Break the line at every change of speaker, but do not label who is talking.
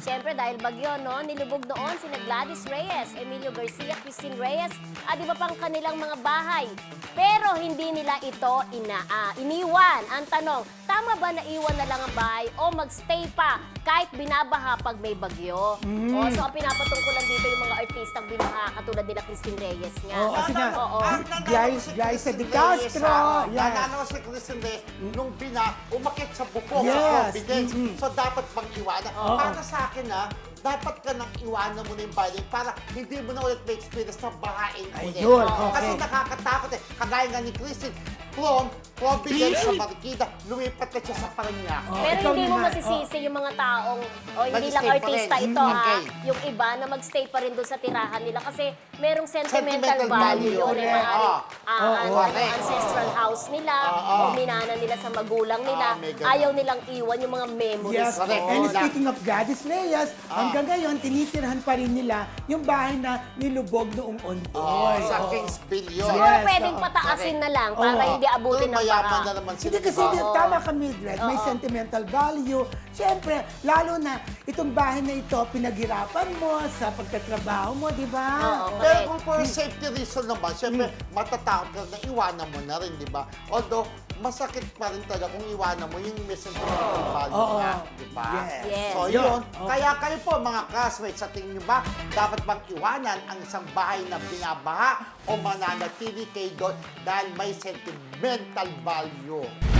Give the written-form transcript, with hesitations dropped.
Siyempre dahil bagyo, no? Nilubog noon sina Gladys Reyes, Emilio Garcia, Christine Reyes, at iba pang kanilang mga bahay. Pero hindi nila ito iniwan. Ang tanong, tama ba na iwan na lang ang bahay o magstay pa kahit binabaha pag may bagyo? O, so ang pinapatungkulan dito yung mga artistang binaha katulad nila Christine Reyes nga.
Oo, kasi nga,
Oo.
Glyza de Castro. Yes.
Nananaw si Christine Reyes nung umakit sa bukong,
Yes.
sa confidence. So dapat bang iwanan?
Oo.
Para sa akin dapat ka nang iwanan mo na yung bahay para hindi mo na ulit may experience na bahain ulit.
Ayun,
Kasi
okay.
nakakatakot Kagaya nga ni Christine, Providence sa Marikina, lumipat na siya sa Parañaque.
Pero
ikaw
hindi mo
naman,
masisisi yung mga taong, hindi lang
Mag-stay pa
artista
rin.
ito
Okay.
Yung iba na magstay pa rin doon sa tirahan nila kasi merong sentimental
Sentimental
value
value.
yun.
Correct.
Maaaring ancestral house nila, o minana nila sa magulang nila.
may ganun.
Ayaw nilang iwan yung mga memories.
Yes,
Correct.
and
doon.
speaking of Gladys Reyes, hanggang ngayon, tinitirhan pa rin nila yung bahay na nilubog noong Ondoy.
Sa
Oo.
Kingsville yun.
Siguro
Yes,
pwedeng
oo.
pataasin na lang para
Oo.
hindi abutin ng
Mayaman
baka.
na naman sila.
Hindi kasi
diba?
tama ka, Mildred, may sentimental value. Siyempre, lalo na itong bahay na ito, pinaghirapan mo sa pagtatrabaho mo, di ba?
Oo.
Pero
Correct.
kung for safety reason naman, syempre, matatakot ka na iwanan mo na rin, di ba? Although, masakit pa rin talaga kung iwanan mo yung may sentimental value
Oo.
nga, di ba?
Yes.
So,
Yun.
yun.
Okay.
Kaya kayo po, mga classmates, sa tingin nyo ba, dapat bang iwanan ang isang bahay na binabaha o mananatili kayo doon dahil may sentimental value?